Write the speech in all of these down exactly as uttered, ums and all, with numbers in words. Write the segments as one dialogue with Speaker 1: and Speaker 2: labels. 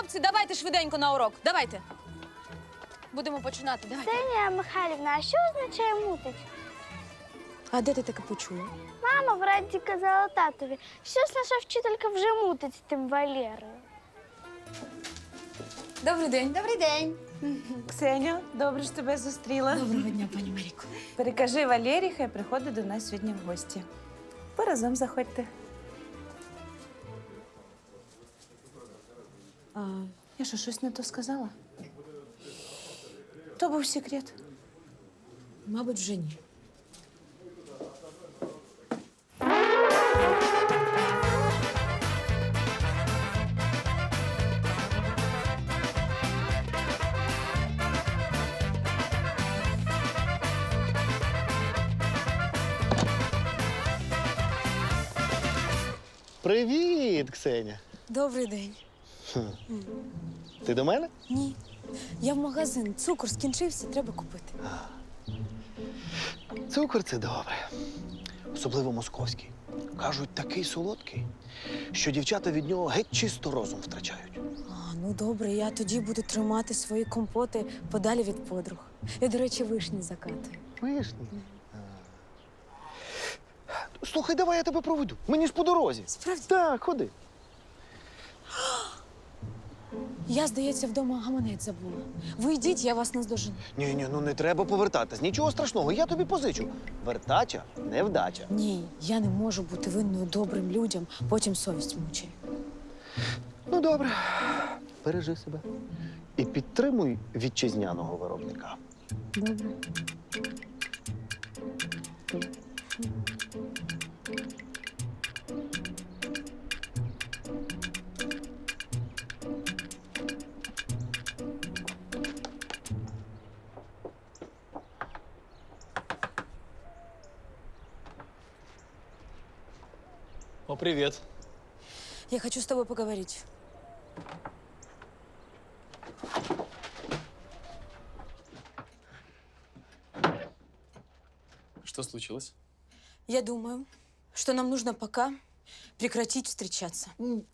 Speaker 1: Хлопці, давайте швиденько на урок. Давайте. Будемо починати. Давайте.
Speaker 2: Ксенія Михайлівна, а що означає мутить?
Speaker 1: А де ти таке почула?
Speaker 2: Мама вранці казала татові, щось наша вчителька вже мутить з тим Валєрою.
Speaker 1: Добрий день.
Speaker 3: Добрий день.
Speaker 4: Ксеню, добре, що тебе зустріла.
Speaker 1: Доброго дня, пані Маріко.
Speaker 4: Перекажи Валері, хай приходить до нас сьогодні в гості. Ви разом заходьте. А, я що, щось не то сказала? То був секрет.
Speaker 1: Мабуть, вже ні.
Speaker 5: Привіт, Ксеня.
Speaker 1: Добрий день.
Speaker 5: Ти до мене?
Speaker 1: Ні. Я в магазин. Цукор скінчився, треба купити.
Speaker 5: Цукор це добре. Особливо московський. Кажуть, такий солодкий, що дівчата від нього геть чисто розум втрачають.
Speaker 1: А, ну добре, я тоді буду тримати свої компоти подалі від подруг. Я, до речі, вишні закатую.
Speaker 5: Вишні. Слухай, давай я тебе проведу. Мені ж по дорозі.
Speaker 1: Справді?
Speaker 5: Так, ходи.
Speaker 1: Я, здається, вдома гаманець забула. Ви йдіть, я вас наздожену.
Speaker 5: Ні, ні, ну не треба повертатись. Нічого страшного, я тобі позичу. Вертача невдача.
Speaker 1: Ні, я не можу бути винною добрим людям, потім совість мучає.
Speaker 5: Ну, добре. Бережи себе. І підтримуй вітчизняного виробника.
Speaker 1: Добре.
Speaker 6: О, привет.
Speaker 1: Я хочу с тобой поговорить.
Speaker 6: Что случилось?
Speaker 1: Я думаю, что нам нужно пока прекратить встречаться.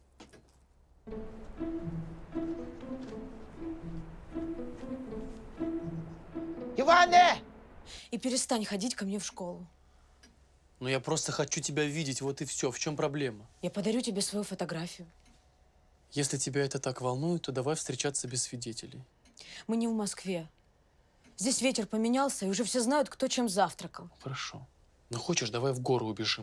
Speaker 3: Іване!
Speaker 1: И перестань ходить ко мне в школу.
Speaker 6: Ну, я просто хочу тебя видеть, вот и все. В чем проблема?
Speaker 1: Я подарю тебе свою фотографию.
Speaker 6: Если тебя это так волнует, то давай встречаться без свидетелей.
Speaker 1: Мы не в Москве. Здесь ветер поменялся, и уже все знают, кто чем завтракал.
Speaker 6: Хорошо. Ну, хочешь, давай в гору убежим.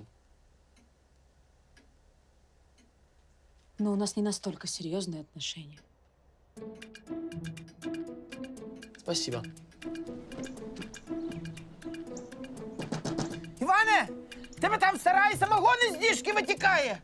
Speaker 1: Но у нас не настолько серьезные отношения.
Speaker 6: Спасибо.
Speaker 3: Іване! Тебе там в сараї самогон із діжки витікає!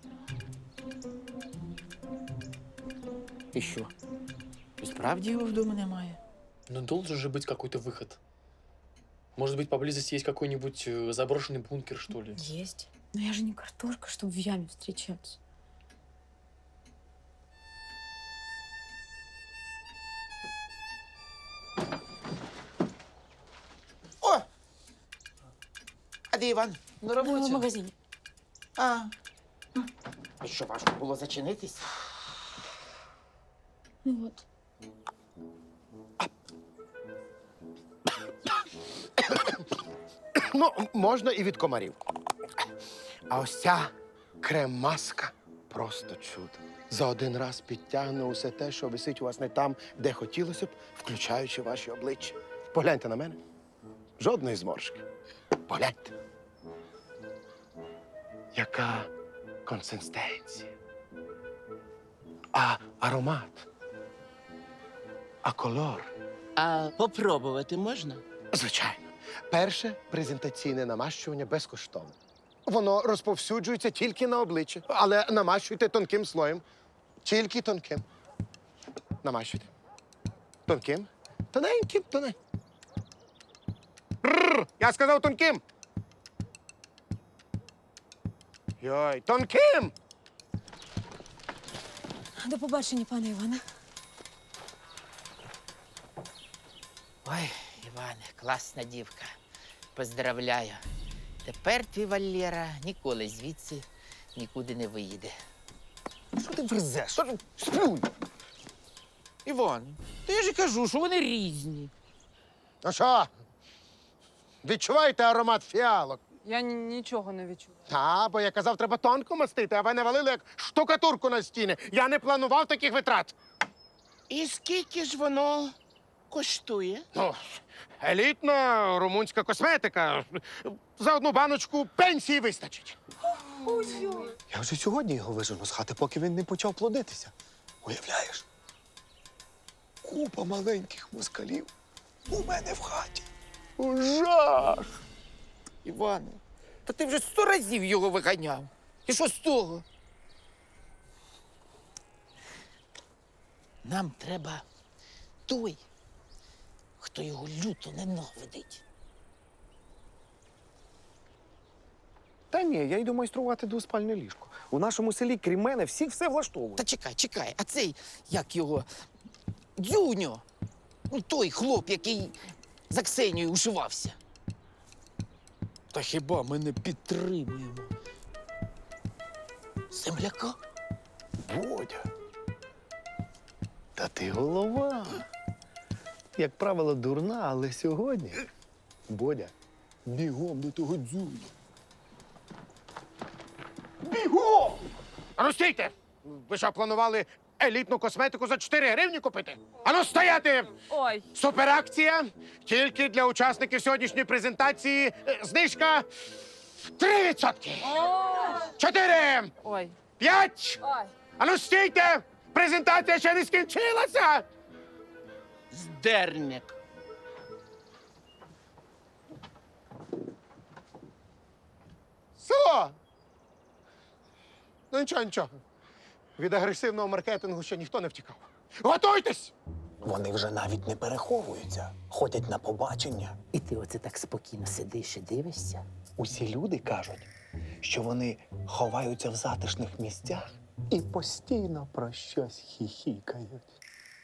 Speaker 3: І що? І справді його вдома немає?
Speaker 6: Ну, должен же быть какой-то выход. Может быть, поблизости есть какой-нибудь э, заброшенный бункер, что ли?
Speaker 1: Есть. Но я же не картошка, чтобы в яме встречаться.
Speaker 3: О! А де Іван?
Speaker 6: На
Speaker 1: Ну, в магазине.
Speaker 3: А. І що, важко було зачинитись?
Speaker 1: Ну вот.
Speaker 7: Ну, можна і від комарів. А ось ця крем-маска просто чудо. За один раз підтягне усе те, що висить у вас не там, де хотілося б, включаючи ваші обличчя. Погляньте на мене. Жодної зморшки. Погляньте. Яка консистенція. А аромат. А колор.
Speaker 8: А попробувати можна?
Speaker 7: Звичайно. Перше презентаційне намащування безкоштовне. Воно розповсюджується тільки на обличчя, але намащуйте тонким слоєм. Тільки тонким. Намащуйте. Тонким. Тоненьким, тоненьким. Рррр, я сказав тонким. Йой, тонким!
Speaker 1: До побачення, пане Іване.
Speaker 8: Ой, Іване, класна дівка. Поздравляю. Тепер твій Валєра ніколи звідси нікуди не виїде.
Speaker 5: Що ти верзеш? Що ти? Сплюнь!
Speaker 8: Іван, та я ж і кажу, що вони різні.
Speaker 7: Ну що? Відчуваєте аромат фіалок?
Speaker 9: Я ні- нічого не відчула.
Speaker 7: Та, бо я казав, треба тонко мастити, а ви навалили як штукатурку на стіни. Я не планував таких витрат.
Speaker 8: І скільки ж воно коштує?
Speaker 7: Ну, елітна румунська косметика. За одну баночку пенсії вистачить.
Speaker 5: Я вже сьогодні його вижену з хати, поки він не почав плодитися. Уявляєш? Купа маленьких москалів у мене в хаті.
Speaker 7: Ужас!
Speaker 8: Іване, та ти вже сто разів його виганяв. І що з того? Нам треба той, хто його люто ненавидить.
Speaker 5: Та ні, я йду майструвати двоспальне ліжко. У нашому селі, крім мене, всіх все влаштовує.
Speaker 8: Та чекай, чекай, а цей, як його, Дзюньо, ну той хлоп, який за Ксенією ушивався. Та хіба ми не підтримуємо земляка?
Speaker 5: Бодя. Та ти голова. Як правило, дурна, але сьогодні. Бодя, бігом до того дзюня.
Speaker 7: Бігом! Ану стійте! Ви що, планували елітну косметику за чотири гривні купити? Ану стояти!
Speaker 9: Ой,
Speaker 7: Суперакція тільки для учасників сьогоднішньої презентації. Е, Знижка три відсотки. Чотири!
Speaker 9: ой,
Speaker 7: П'ять!
Speaker 9: ой.
Speaker 7: Ану стійте! Презентація ще не скінчилася!
Speaker 8: Здерник.
Speaker 7: Село! Ну нічого, нічого. Від агресивного маркетингу ще ніхто не втікав. Готуйтесь!
Speaker 5: Вони вже навіть не переховуються, ходять на побачення.
Speaker 8: І ти оце так спокійно сидиш і дивишся?
Speaker 5: Усі люди кажуть, що вони ховаються в затишних місцях і постійно про щось хіхікають.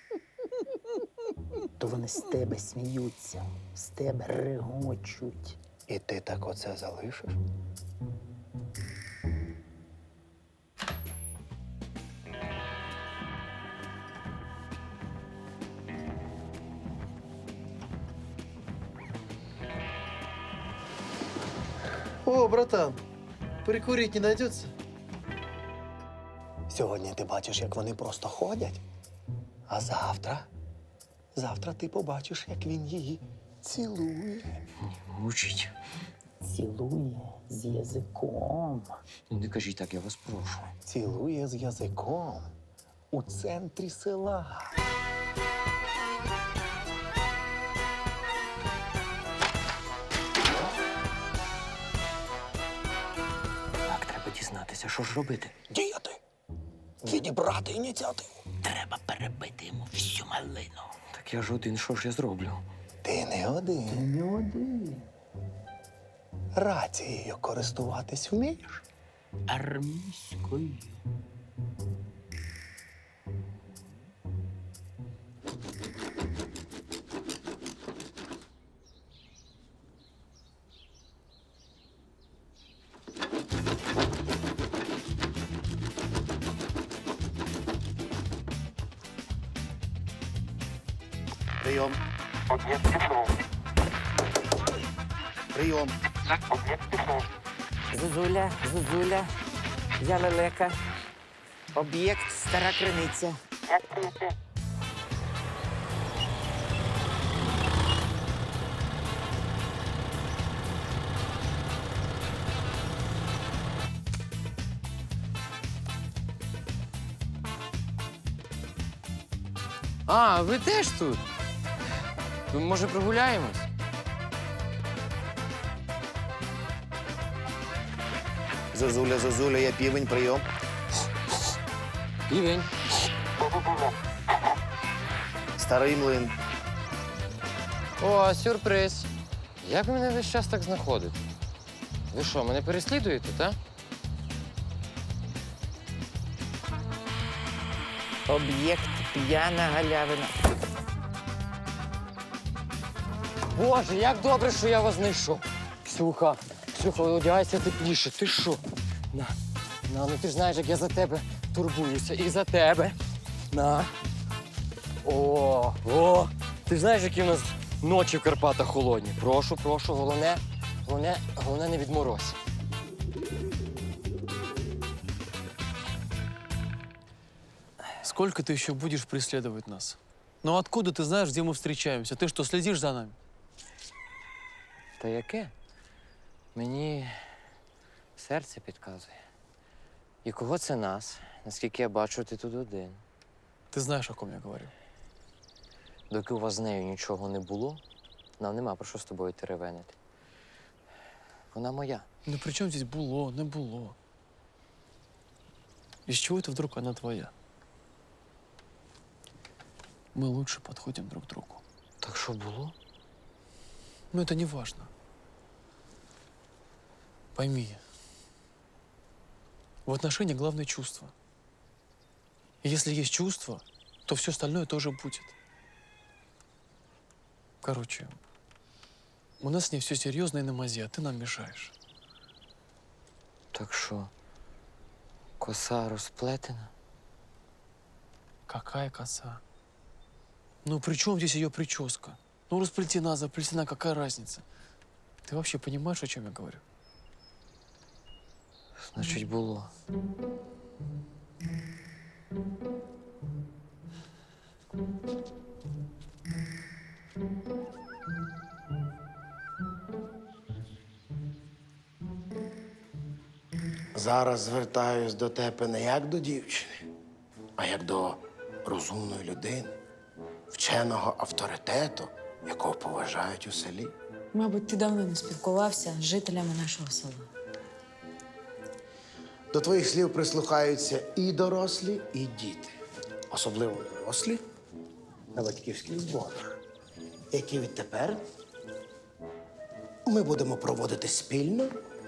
Speaker 8: То вони з тебе сміються, з тебе регочуть.
Speaker 5: І ти так оце залишиш?
Speaker 10: О, братан, прикурить не найдется?
Speaker 5: Сьогодні ти бачиш, як вони просто ходять. А завтра? Завтра ти побачиш, як він її цілує.
Speaker 3: Мучить.
Speaker 8: Цілує з язиком.
Speaker 3: Ну, не кажіть так, я вас прошу.
Speaker 5: Цілує з язиком у центрі села.
Speaker 3: Так, треба дізнатися, що ж робити.
Speaker 5: Діяти! Відібрати ініціативу.
Speaker 8: Треба перебити йому всю малину.
Speaker 3: Так я ж один, що ж я зроблю?
Speaker 5: Ти не один.
Speaker 8: Не один.
Speaker 5: Рацією користуватись вмієш?
Speaker 8: Армійською.
Speaker 7: Прийом. Прийом.
Speaker 8: Зозуля, Зозуля, я лелека. Об'єкт стара криниця.
Speaker 10: А, ви теж тут? Ну, може, прогуляємось?
Speaker 7: Зозуля, Зозуля, я півень, прийом.
Speaker 10: Півень.
Speaker 7: Старий млин.
Speaker 10: О, сюрприз. Як ви мене весь час так знаходите? Ви що, мене переслідуєте, так?
Speaker 8: Об'єкт п'яна галявина.
Speaker 10: Боже, як добре, що я вас знайшов. Ксюха, Ксюха, одягайся тепліше. Ти що? На, на, ну ти ж знаєш, як я за тебе турбуюся. І за тебе. На. О, О, о! Ти ж знаєш, які в нас ночі в Карпатах холодні. Прошу, прошу, головне, головне, головне не відморозь.
Speaker 6: Сколько ты еще будешь преследовать нас? Ну откуда ты знаешь, где мы встречаемся? Ты что, следишь за нами?
Speaker 10: Та яке? Мені серце підказує. І кого це нас? Наскільки я бачу, ти тут один.
Speaker 6: Ты знаешь, о ком я говорю.
Speaker 10: Доки у вас з нею нічого не було, нам нема про що з тобою теревенити. Вона моя.
Speaker 6: Ну при чем здесь було, не було? Из чего это вдруг она твоя? Мы лучше подходим друг к другу.
Speaker 10: Так що було?
Speaker 6: Но это не важно. Пойми, в отношениях главное чувство. И если есть чувство, то все остальное тоже будет. Короче, у нас с ней все серьезно и на мази, а ты нам мешаешь.
Speaker 10: Так що, коса розплетена?
Speaker 6: Какая коса? Ну при чем здесь ее прическа? Ну расплетена, заплетена, какая разница? Ты вообще понимаешь, о чем я говорю?
Speaker 10: Значить, було.
Speaker 7: Зараз звертаюсь до тебе не як до дівчини, а як до розумної людини, вченого авторитету, якого поважають у селі.
Speaker 1: Мабуть, ти давно не спілкувався з жителями нашого села.
Speaker 7: До твоїх слів прислухаються і дорослі, і діти. Особливо дорослі на батьківських зборах, які відтепер ми будемо проводити спільно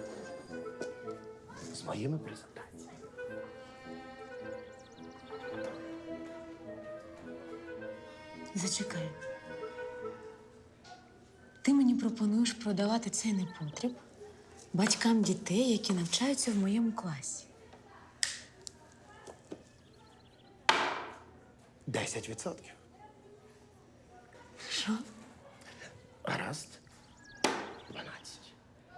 Speaker 7: з моїми презентаціями.
Speaker 1: Зачекай. Ти мені пропонуєш продавати цей непотріб батькам дітей, які навчаються в моєму класі.
Speaker 7: Десять відсотків.
Speaker 1: Що?
Speaker 7: Гаразд. Дванадцять.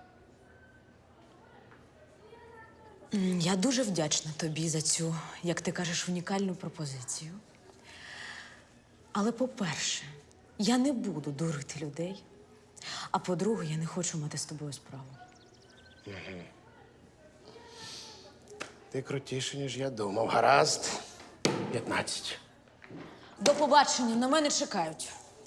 Speaker 1: М, Я дуже вдячна тобі за цю, як ти кажеш, унікальну пропозицію. Але, по-перше, я не буду дурити людей. А по-друге, я не хочу мати з тобою справу.
Speaker 7: Ти крутіше, ніж я думав. Гаразд. П'ятнадцять.
Speaker 1: До побачення, на мене чекають.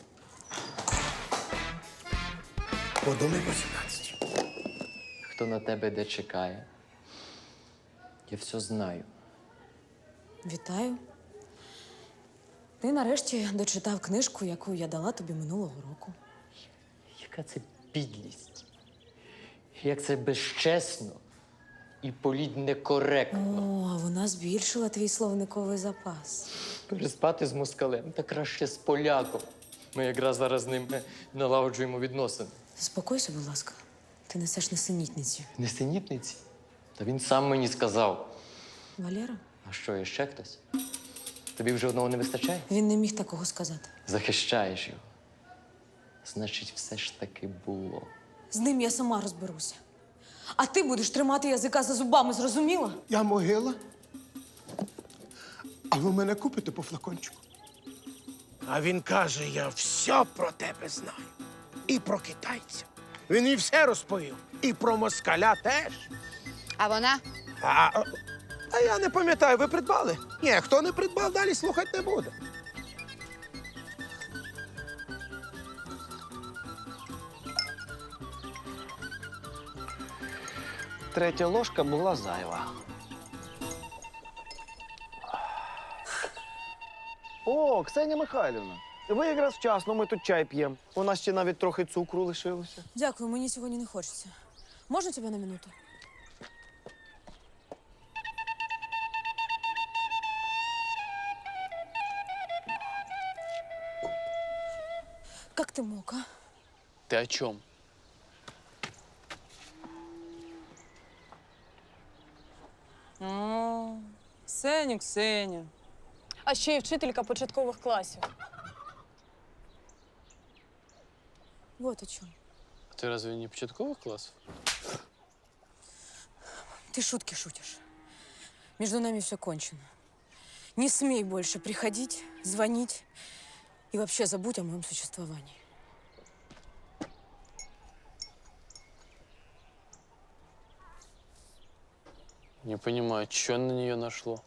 Speaker 7: Подумай по сімнадцять.
Speaker 10: Хто на тебе де чекає? Я все знаю.
Speaker 1: Вітаю. Ти нарешті дочитав книжку, яку я дала тобі минулого року.
Speaker 10: Яка це підлість? Як це безчесно і політь некоректно.
Speaker 1: О, а вона збільшила твій словниковий запас.
Speaker 10: Переспати з москалем та краще з поляком. Ми якраз зараз з ним налагоджуємо відносини.
Speaker 1: Заспокойся, будь ласка. Ти несеш несенітниці.
Speaker 10: Несенітниці? Та він сам мені сказав.
Speaker 1: Валера?
Speaker 10: А що, є ще хтось? Тобі вже одного не вистачає?
Speaker 1: Він не міг такого сказати.
Speaker 10: Захищаєш його. Значить, все ж таки було.
Speaker 1: З ним я сама розберуся. А ти будеш тримати язика за зубами, зрозуміла?
Speaker 7: Я могила. А ви мене купите по флакончику? А він каже, я все про тебе знаю. І про китайця. Він і все розповів. І про москаля теж.
Speaker 9: А вона?
Speaker 7: А, а я не пам'ятаю, ви придбали? Ні, хто не придбав, далі слухати не буде.
Speaker 11: Третя ложка була зайва. О, Ксенія Михайлівна, ви якраз вчасно, ми тут чай п'ємо. У нас ще навіть трохи цукру лишилося.
Speaker 1: Дякую, мені сьогодні не хочеться. Можна тебе на минуту? Как ты мог, а?
Speaker 6: Ты о чем?
Speaker 9: Ксеню, Ксеню. А ще й вчителька початкових класів.
Speaker 1: Вот о чем.
Speaker 6: Ты разве не початковых классов?
Speaker 1: Ты шутки шутишь. Между нами все кончено. Не смей больше приходить, звонить и вообще забудь о моем существовании.
Speaker 6: Не понимаю, что на нее нашло?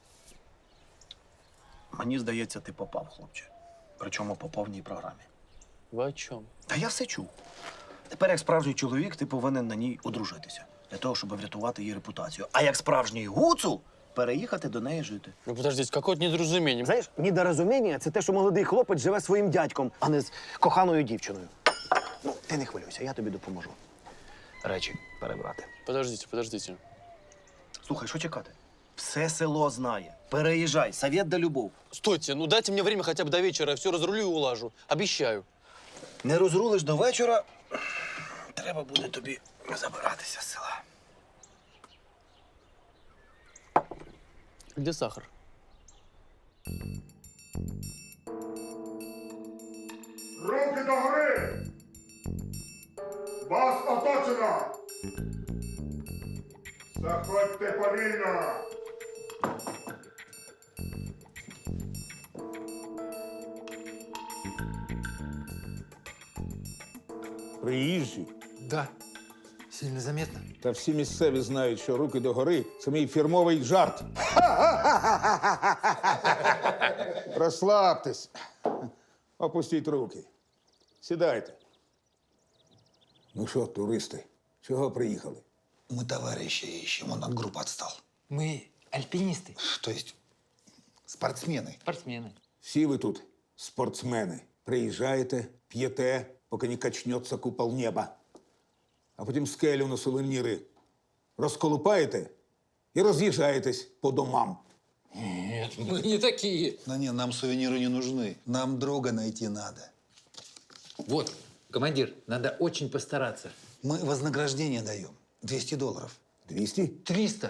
Speaker 12: Мені здається, ти попав, хлопче. Причому по повній програмі.
Speaker 6: Вы о чем?
Speaker 12: Та я все чув. Тепер, як справжній чоловік, ти повинен на ній одружитися. Для того, щоб врятувати її репутацію. А як справжній гуцул, переїхати до неї жити.
Speaker 6: Ну подождите, какое-то недоразумение.
Speaker 11: Знаєш, недорозуміння – це те, що молодий хлопець живе своїм дядьком, а не з коханою дівчиною. Ну, ти не хвилюйся, я тобі допоможу. Речі перебрати.
Speaker 6: Подождите, подождите.
Speaker 12: Слухай, що чекати? Все село знає. Переїжджай, совет да любов.
Speaker 6: Стойте, ну дайте мне время хотя бы до вечера, я все разрулю и улажу. Обещаю.
Speaker 12: Не розрулиш до вечора, треба буде тобі забиратися з села.
Speaker 6: Где сахар?
Speaker 13: Руки догори! Вас оточено! Заходьте повільно!
Speaker 14: Приїжджі.
Speaker 8: Да. Сильно заметно.
Speaker 14: Та всі місцеві знають, що руки догори – це мій фірмовий жарт. Розслабтесь. Опустіть руки. Сідайте. Ну що, туристи, чого приїхали?
Speaker 12: Мы товарищи ищем, он от группы отстал.
Speaker 8: Мы альпинисты.
Speaker 12: То есть спортсмены.
Speaker 8: Спортсмены.
Speaker 14: Всі ви тут спортсмени. Приїжджаєте, п'єте, поки не качнеться купол неба. А потім скелю на сувеніри розколупаєте і роз'їжджаєтесь по домам.
Speaker 8: Нет, мы не такие.
Speaker 12: Да не, нам сувениры не нужны. Нам друга найти надо.
Speaker 8: Вот, командир, надо очень постараться.
Speaker 12: Мы вознаграждение даем. двести долларов.
Speaker 14: Двісті?
Speaker 8: Триста.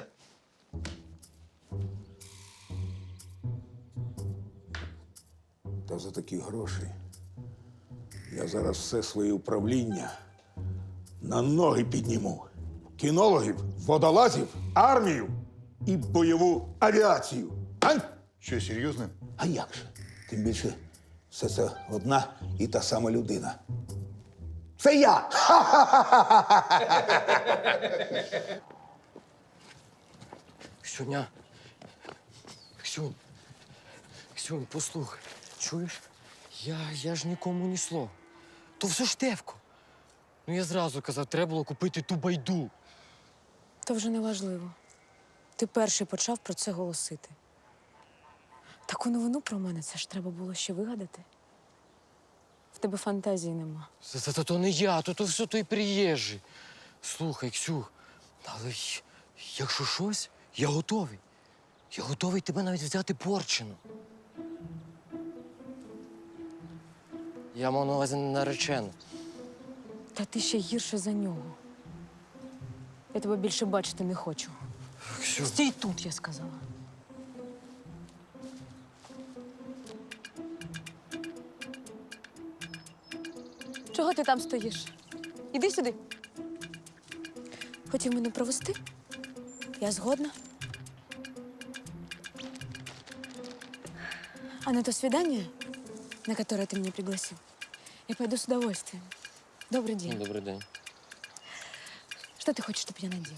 Speaker 14: Та за такі гроші я зараз все своє управління на ноги підніму. Кінологів, водолазів, армію і бойову авіацію. А?
Speaker 13: Що, серйозно?
Speaker 14: А як же? Тим більше, все це одна і та сама людина. Це я!
Speaker 10: Ксюня. Ксюнь. Ксюнь, послухай. Чуєш? Я, я ж нікому ні слова. То все Штефко. Ну я зразу казав, треба було купити ту байду.
Speaker 1: То вже не важливо. Ти перший почав про це голосити. Таку новину про мене це ж треба було ще вигадати. В тебе фантазії нема.
Speaker 10: Це, це, це то не я, то, то все той приїжджий. Слухай, Ксюх, але й- якщо щось, я готовий. Я готовий тебе навіть взяти порчену. Я мав на увазі наречену.
Speaker 1: Та ти ще гірше за нього. Я тебе більше бачити не хочу.
Speaker 10: Ксюх.
Speaker 1: Стій тут, я сказала. Чого ти там стоїш? Іди сюди. Хотів мене провести? Я згодна. А на то свидание, на которое ты меня пригласил, я пойду с удовольствием. Добрый день.
Speaker 10: Добрий день.
Speaker 1: Что ты хочешь, чтобы я надела?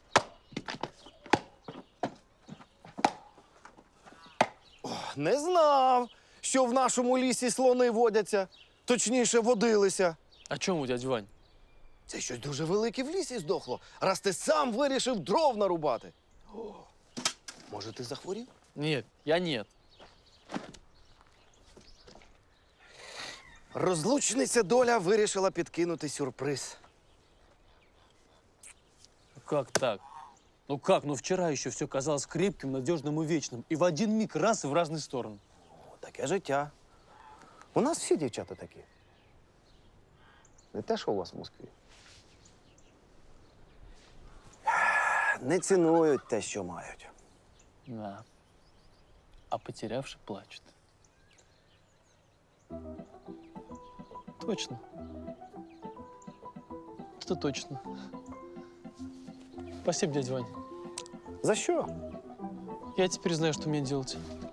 Speaker 11: Не знав, що в нашому лісі слони водяться. Точніше, водилися.
Speaker 6: О чем у дядь Вань?
Speaker 11: Це щось дуже велике в лісі здохло, раз ти сам вирішив дров нарубати. О, може, ти захворів?
Speaker 6: Нет, я нет.
Speaker 11: Розлучниця доля вирішила підкинути сюрприз.
Speaker 6: Как так? Ну как? Ну вчера еще все казалось крепким, надежным и вечным. И в один миг раз и в разные стороны.
Speaker 11: О, таке життя. У нас всі дівчата такі. Не те, що у вас в Москві. Не цінують те, що мають.
Speaker 6: Да. А потерявший плачет. Точно. это точно. Спасибо, дядя Вань.
Speaker 11: За що?
Speaker 6: Я теперь знаю, что мне делать.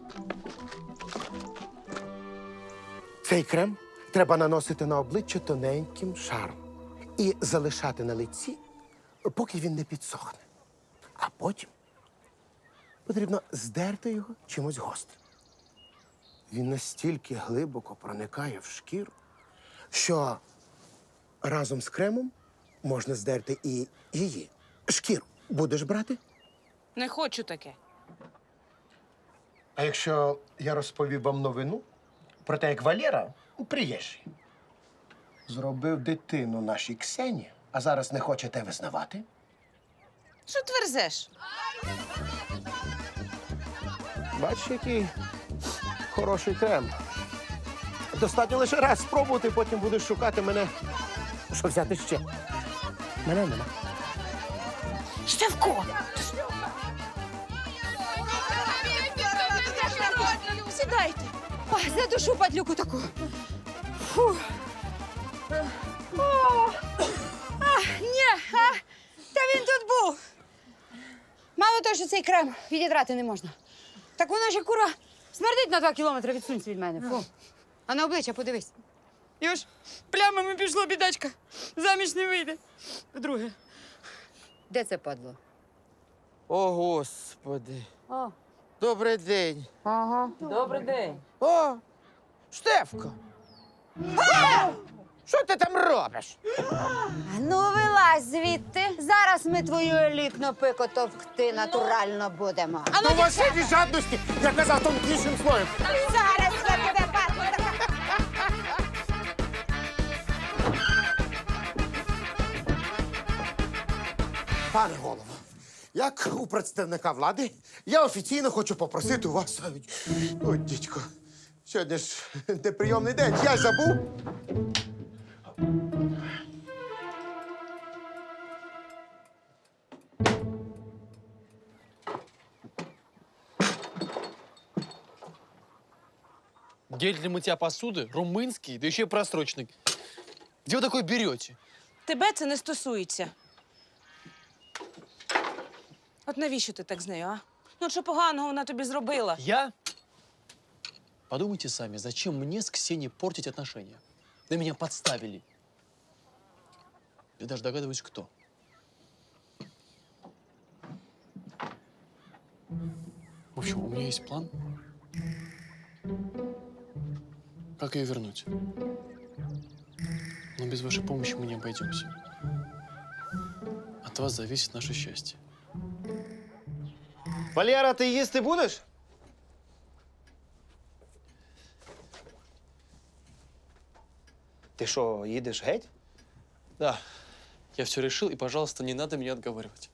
Speaker 7: Цей крем треба наносити на обличчя тоненьким шаром і залишати на лиці, поки він не підсохне. А потім потрібно здерти його чимось гострим. Він настільки глибоко проникає в шкіру, що разом з кремом можна здерти і її шкіру. Будеш брати?
Speaker 4: Не хочу таке.
Speaker 7: А якщо я розповів вам новину про те, як Валера, приїжджий, зробив дитину нашій Ксені, а зараз не хоче те визнавати?
Speaker 4: Що тверзеш?
Speaker 7: Бачиш, який хороший крем. Достатньо лише раз спробувати, потім будеш шукати мене. Що взяти ще? Мене нема.
Speaker 4: Штевко! Сідайте. Ой, задушу падлюку таку. Фу. О! А, ні, а, та він тут був. Мало того, що цей крем відідрати не можна. Так воно ще, кура, смердить на два кілометри, відсунься від мене. Фу. А на обличчя подивись. Його ж плямами пішло, бідачка. Заміж не вийде. Вдруге. Де це падло?
Speaker 8: О, Господи.
Speaker 4: О.
Speaker 8: Добрий день.
Speaker 4: Ага. Добрий день.
Speaker 8: О, Штефко. А! Що ти там робиш?
Speaker 15: Ну, вилазь звідти. Зараз ми твою елітну пику товкти натурально будемо.
Speaker 7: А ну, у вас від жадності, я казав тонкішим слоєм.
Speaker 15: Зараз я тебе падло.
Speaker 7: Пане голово, як у представника влади, я офіційно хочу попросити у вас. Ой, дідько, сьогодні ж неприйомний день, я забув.
Speaker 6: Гель для мытья посуды, румынский, да еще и просроченный. Где вы такой берете?
Speaker 4: Тебе це не стосується. От навіщо ти так з нею, а? Ну, от що поганого вона тобі зробила?
Speaker 6: Я? Подумайте сами, зачем мне с Ксенией портить отношения? Да меня подставили. Я даже догадываюсь, кто. В общем, у меня есть план. Как ее вернуть? Но без вашей помощи мы не обойдемся. От вас зависит наше счастье.
Speaker 11: Валера, ти їсти будеш? Ти що, їдеш геть?
Speaker 6: Да, я все решил, и, пожалуйста, не надо меня отговаривать.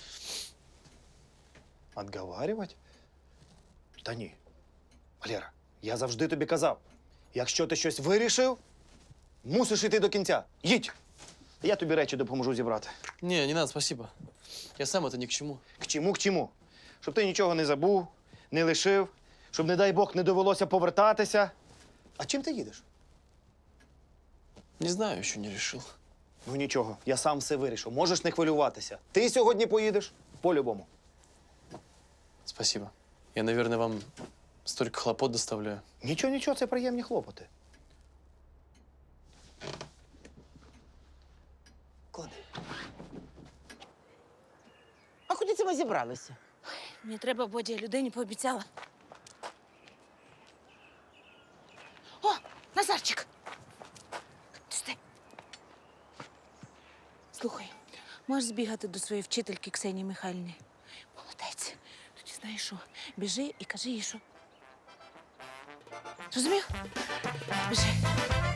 Speaker 11: Отговарювати? Та ні. Валера, я завжди тобі казав, якщо ти щось вирішив, мусиш йти до кінця. Їдь! Я тобі речі допоможу зібрати.
Speaker 6: Не, не надо, спасибо. Я сам это ни к чему.
Speaker 11: К чому, к чому? Щоб ти нічого не забув, не лишив, щоб, не дай Бог, не довелося повертатися. А чим ти їдеш?
Speaker 6: Не знаю, еще не решил.
Speaker 11: Ну нічого, я сам все вирішив. Можеш не хвилюватися. Ти сьогодні поїдеш по-любому.
Speaker 6: Спасибо. Я, наверное, вам столько хлопот доставляю.
Speaker 11: Нічого, нічого, це приємні хлопоти.
Speaker 8: Клади. А куди це ми зібралися?
Speaker 4: Мені треба, Боді, я людині пообіцяла. О, Назарчик! Стой. Слухай, можеш збігати до своєї вчительки Ксенії Михайлівни? Молодець. Тоді знаєш що? Біжи і кажи їй, що. Розумів? Біжи.